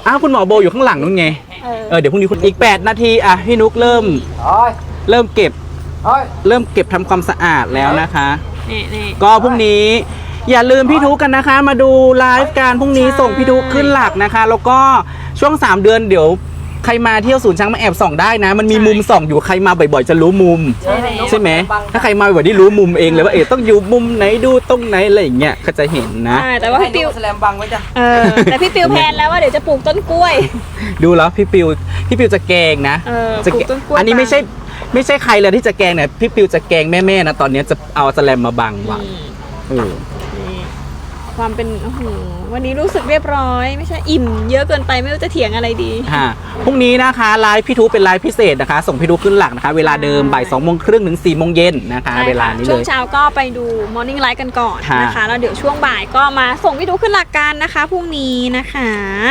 อ้าวคุณหมอโบอยู่ข้างหลังนู้นไงเดี๋ยวพรุ่งนี้คุณอีก8 นาทีอ่ะพี่นุกเริ่มเก็บทำความสะอาดแล้วนะคะก็พรุ่งนี้อย่าลืมพี่นุกกันนะคะมาดูไลฟ์การพรุ่งนี้ส่งพี่นุกขึ้นหลักนะคะแล้วก็ช่วง3 เดือนเดี๋ยวใครมาเที่ยวศูนย์ช้างมาแอบส่องได้นะมันมีมุมส่องอยู่ใครมาบ่อยๆจะรู้มุมใช่ไหมถ้าใครมาบ่อยๆได้รู้มุมเองเลยว่าต้องอยู่มุมไหนดูตรงไหนอะไรอย่างเงี้ยก็จะเห็นนะแต่ว่าพี่ปิวแสลมบังไว้จ้ะแต่พี่ปิวแพนแล้วว่าเดี๋ยวจะปลูกต้นกล้วยดูแล้วพี่ปิวจะแกงนะปลูกต้นกล้วยอันนี้ไม่ใช่ใครเลยที่จะแกงเนี่ยพี่ปิวจะแกงแม่ๆนะตอนนี้จะเอาแสลมมาบังไว้ความเป็นวันนี้รู้สึกเรียบร้อยไม่ใช่อิ่มเยอะเกินไปไม่รู้จะเถียงอะไรดีพรุ่งนี้นะคะไลฟ์พี่ทูเป็นไลฟ์พิเศษนะคะส่งพี่ทูขึ้นหลักนะคะเวลาเดิมบ่าย 2:30 ถึง 4 โมงเย็นนะคะเวลานี้เลยช่วงเช้าก็ไปดู Morning Live กันก่อนนะคะแล้วเดี๋ยวช่วงบ่ายก็มาส่งพี่ทูขึ้นหลักกันนะคะพรุ่งนี้นะคะ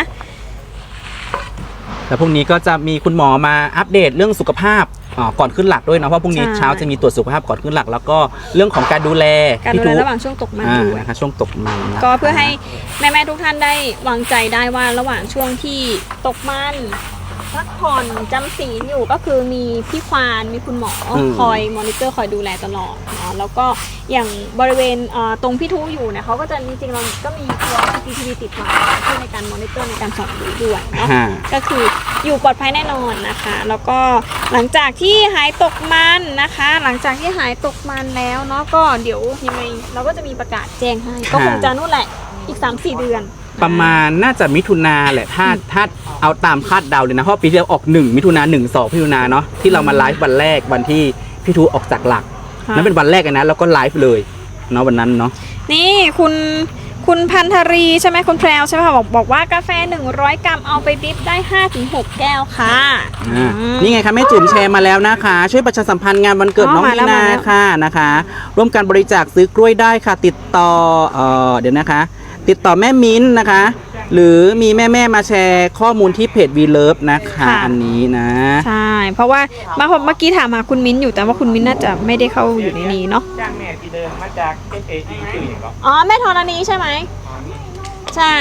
แล้วพรุ่งนี้ก็จะมีคุณหมอมาอัปเดตเรื่องสุขภาพก่อนขึ้นหลักด้วยนะเพราะพรุ่งนี้เช้าจะมีตรวจสุขภาพก่อนขึ้นหลักแล้วก็เรื่องของการดูแลระหว่างช่วงตกมันด้วยนะคะช่วงตกมันก็เพื่อให้แม่ๆทุกท่านได้วางใจได้ว่าระหว่างช่วงที่ตกมันพักผ่อนจำศีลอยู่ก็คือมีพี่ควานมีคุณหมอคอยมอนิเตอร์คอยดูแลตลอดเนาะแล้วก็อย่างบริเวณตรงพี่ทูอยู่เนี่ยเขาก็จะจริงๆเราก็มีตัว CCTV ติดมาช่วยในการมอนิเตอร์ในการส่องดูด้วยเนาะก็คืออยู่ปลอดภัยแน่นอนนะคะแล้วก็หลังจากที่หายตกมันนะคะหลังจากที่หายตกมันแล้วเนาะก็เดี๋ยวยังไงเราก็จะมีประกาศแจ้งให้ก็คงจะนู่นแหละอีก 3-4 เดือนประมาณน่าจะมิถุนาแหละถ้าเอาตามคาดเดาเลยนะเพราะปีที่แล้วออก1 มิถุนา 1-2 มิถุนาเนาะที่เรามาไลฟ์วันแรกวันที่พี่ทูออกจากหลักนั่นเป็นวันแรกนะแล้วก็ไลฟ์เลยเนาะวันนั้นเนาะนี่คุณพันธรีใช่ไหมคุณแพรวใช่ไหมคะบอกว่ากาแฟ100 กรัมเอาไปดริปได้ 5-6 แก้วค่ะนี่ไงคะแม่จุ๋มแชร์มาแล้วนะคะช่วยประชาสัมพันธ์งานวันเกิดน้องมีนาค่ะนะคะร่วมกันบริจาคซื้อกล้วยได้ค่ะติดต่อเดี๋ยวนะคะติดต่อแม่มิ้นนะคะหรือมีแม่มาแชร์ข้อมูลที่เพจ We Love นะคะอันนี้นะใช่เพราะว่าเมื่อกี้ถามหาคุณมิ้นอยู่แต่ว่าคุณมิ้นน่าจะไม่ได้เข้าอยู่ในนี้เนาะจ้างแม่ที่เดินมาจาก SAT ชื่ออย่างก็แม่ธรณีใช่ไหมใช่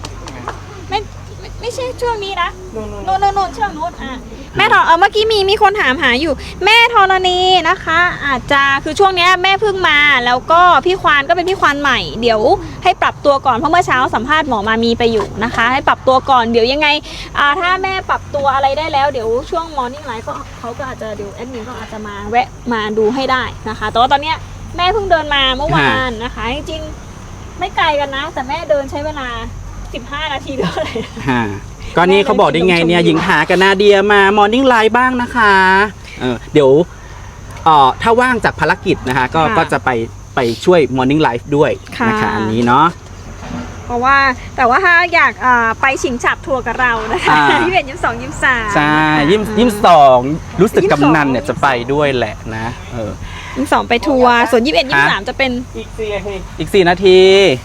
ไม่ใช่ช่วงนี้นะนู่นช่วงนู้นแม่เมื่อกี้มีคนถามหาอยู่แม่ธรณีนะคะอาจจะคือช่วงนี้แม่เพิ่งมาแล้วก็พี่ควานก็เป็นพี่ควานใหม่เดี๋ยวให้ปรับตัวก่อนเพราะเมื่อเช้าสัมภาษณ์หมอมามีไปอยู่นะคะให้ปรับตัวก่อนเดี๋ยวยังไงถ้าแม่ปรับตัวอะไรได้แล้วเดี๋ยวช่วง Morning Live เขาก็อาจจะเดี๋ยวแอดมินก็อาจจะมาแวะมาดูให้ได้นะคะแต่ว่าตอนนี้แม่เพิ่งเดินมาเมื่อวานนะคะจริงๆไม่ไกลกันนะแต่แม่เดินใช้เวลา15 นาทีเลยก็นี่เขาบอกได้ไงเนี่ยหญิงหากับนาเดียมามอร์นิ่งไลฟ์บ้างนะคะเดี๋ยวถ้าว่างจากภารกิจนะคะก็จะไปช่วยมอร์นิ่งไลฟ์ด้วยนะคะอันนี้เนาะเพราะว่าแต่ว่าถ้าอยากไปชิงฉับทัวร์กับเรานะคะ21 22 23 ใช่22รู้สึกกำนันเนี่ยจะไปด้วยแหละนะ 22ไปทัวร์ส่วน21 23จะเป็นอีก4 นาที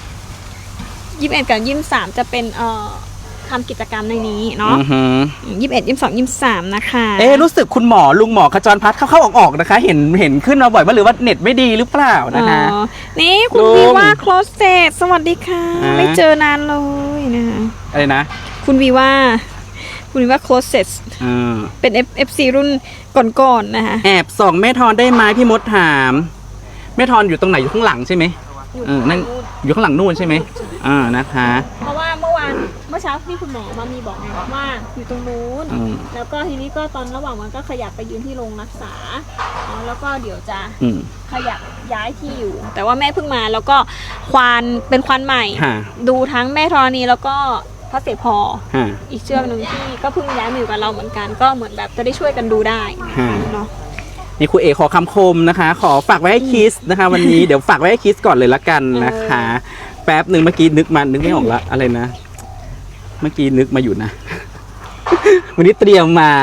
21 กับ 23จะเป็นทำกิจกรรมในนี้เนาะ21 22 23นะคะรู้สึกคุณหมอลุงหมอขจรพัฒน์เข้าออกนะคะเห็นขึ้นมาบ่อยว่าหรือว่าเน็ตไม่ดีหรือเปล่านะคะนี่คุณวีว่าโคลสเซตสวัสดีค่ะไม่เจอนานเลยนะคะอะไรนะคุณวีว่าโคลสเซตเป็น FC รุ่นก่อนๆนะคะแอบส่องแม่ทอนได้ไหมพี่มดถามแม่ทอนอยู่ตรงไหนอยู่ข้างหลังใช่ไหมนั่นอยู่ข้างหลังนู่นใช่ไหมนะคะเพราะว่าเมื่อเช้าที่คุณหมอมามีบอกไงว่าอยู่ตรงนู้นแล้วก็ทีนี้ก็ตอนระหว่างวันก็ขยับไปยืนที่โรงรักษาแล้วก็เดี๋ยวจะขยับย้ายที่อยู่แต่ว่าแม่เพิ่งมาแล้วก็เป็นควานใหม่ดูทั้งแม่ธรณีแล้วก็พระเสพออีกเชือกหนึ่งที่ก็เพิ่งย้ายมาอยู่กับเราเหมือนกันก็เหมือนแบบจะได้ช่วยกันดูได้เนาะนี่ครูเอขอคำคมนะคะขอฝากไว้ให้คิสนะคะวันนี้เดี๋ยวฝากไว้ให้คิสก่อนเลยละกันนะคะแป๊บหนึ่งเมื่อกี้นึกไม่ออกละอะไรนะเมื่อกี้นึกมาอยู่นะวันนี้เตรียมมา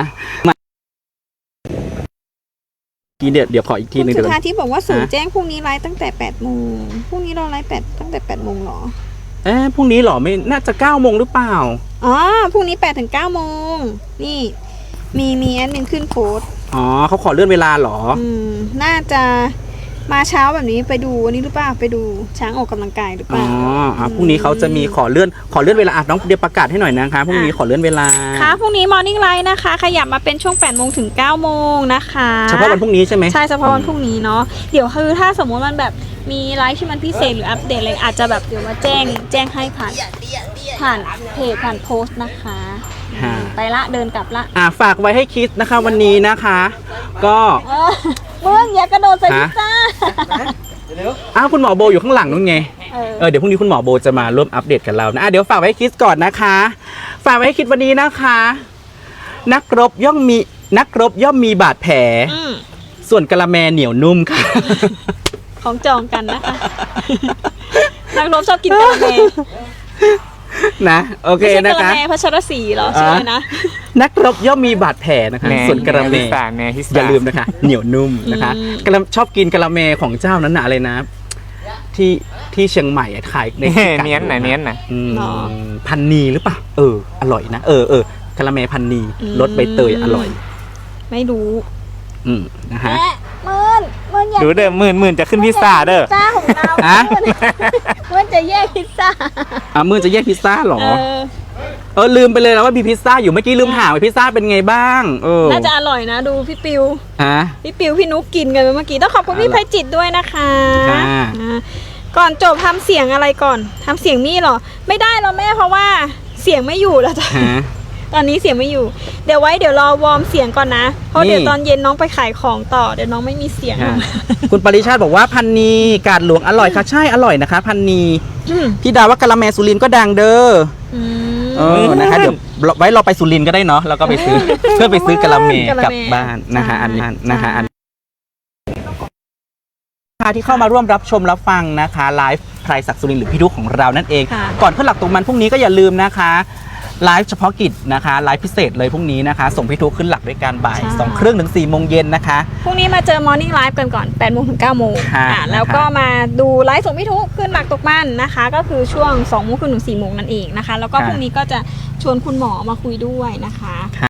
กีเดี๋ยวขออีกทีนึงสุธาที่บอกว่าศูนย์แจ้งพรุ่งนี้ไลฟ์ตั้งแต่8 โมงพรุ่งนี้เราไลฟ์ตั้งแต่8 โมงหรอพรุ่งนี้หรอไม่น่าจะ9 โมงหรือเปล่าพรุ่งนี้8 ถึง 9 โมงนี่มีแอดมินขึ้นโพสต์เขาขอเลื่อนเวลาหรอน่าจะมาเช้าแบบนี้ไปดูอันนี้หรือเปล่าไปดูช้างออกกำลังกายหรือเปอ๋ล่าอพรุ่งนี้เขาจะมีขอเลื่อนเวลาน้องเดี๋ยวประกาศให้หน่อยนะคะพรุ่งนี้ขอเลื่อนเวลาค่ะพรุ่งนี้ Morning Light นะคะ ขยับมาเป็นช่วง8 โมงถึง 9 โมงนะคะเฉพาะวันพรุ่งนี้ใช่ไหมใช่เฉพาะวันพรุ่งนี้เนาะเดี๋ยวคือถ้าสมมติมันแบบมีไลฟ์ที่มันพิเศษหรืออัปเดตอะไรอาจจะแบบเดี๋ยวมาแจ้งให้ผ่านเพจผ่านโพสต์นะคะฮะไปละเดินกลับละฝากไว้ให้คิดนะคะวันนี้นะคะ ก็มึงอย่ากระโดดใส่พิซซ่าคุณหมอโบอยู่ข้างหลังนู้นไงเดี๋ยวพรุ่งนี้คุณหมอโบจะมาร่วมอัปเดตกับเรานะเดี๋ยวฝากไว้ให้คิดก่อนนะคะ ฝากไว้ให้คิดวันนี้นะคะ นักรบย่อมมีบาดแผล ส่วนกะละแมเหนียวนุ่มค่ะของจองกันนะคะ นักรบชอบกินกะละแมนะโอเคไม่ใช่นะกะละคะแมพัชรศรีเหรอชื่ออะไรนะนักรบย่อมมีบาดแผลนะคะ ส่วนกะละแมพิซซ่าอย่าลืมนะคะ เหนียวนุ่มนะคะชอบกินกะละแมของเจ้านั้นนะอะไรนะ ที่เชียงใหม่ขายในที่กัดเนี้ยนน่ะพันนีหรือเปล่าอร่อยนะกะละแมพันนีรสใบเตยอร่อยไม่รู้นะคะเมื่อนอยากดูเด้อหมื่นจะขึ้นพิซซ่าเด้อพิซซ่าของเราฮะเมื่อนจะแยกพิซซ่ามื่อจะแยกพิซซ่าเหรอลืมไปเลยนะว่ามีพิซซ่าอยู่เมื่อกี้ลืมถามว่าพิซซ่าเป็นไงบ้างน่าจะอร่อยนะดูพี่ปิวฮะพี่ปิวพี่นุกกินกันไปเมื่อกี้ต้องขอบคุณพี่ไพจิตด้วยนะคะค่ะก่อนจบทำเสียงอะไรก่อนทำเสียงมี่เหรอไม่ได้หรอแม่เพราะว่าเสียงไม่อยู่แล้วจ้ะฮะตอนนี้เสียงไม่อยู่เดี๋ยวรอวอร์มเสียงก่อนนะเพราะเดี๋ยวตอนเย็นน้องไปขายของต่อเดี๋ยวน้องไม่มีเสียงคุณปริชาติบอกว่าพันนีกาดหลวงอร่อยค่ะใช่อร่อยนะคะ พันนีพี่ดาว่ากะละแมสุรินทร์ก็ดังเด้อนะคะเดี๋ยวไว้เราไปสุรินทร์ก็ได้เนาะแล้วก็ไปซื้อ เพื่อไปซื้อกะละแมกลับบ้านนะคะอันนี้นะคะที่เข้ามาร่วมรับชมรับฟังนะคะไลฟ์ไพรศักดิ์สุรินทร์หรือพี่ดุ๊กของเรานั่นเองก่อนขึ้นหลักตรงมันพรุ่งนี้ก็อย่าลืมนะคะไลฟ์เฉพาะกิจนะคะไลฟ์พิเศษเลยพรุ่งนี้นะคะส่งพี่ทุกขึ้นหลักด้วยการบ่าย2:30 ถึง 4 โมงเย็นนะคะพรุ่งนี้มาเจอ Morning Live กันก่อน8 โมงถึง 9 โมงแล้วก็มาดูไลฟ์ส่งพี่ทุกขึ้นหลักตกมันนะคะก็คือช่วง2 โมงถึง 4 โมงนั่นเองนะคะแล้วก็พรุ่งนี้ก็จะชวนคุณหมอมาคุยด้วยนะคะ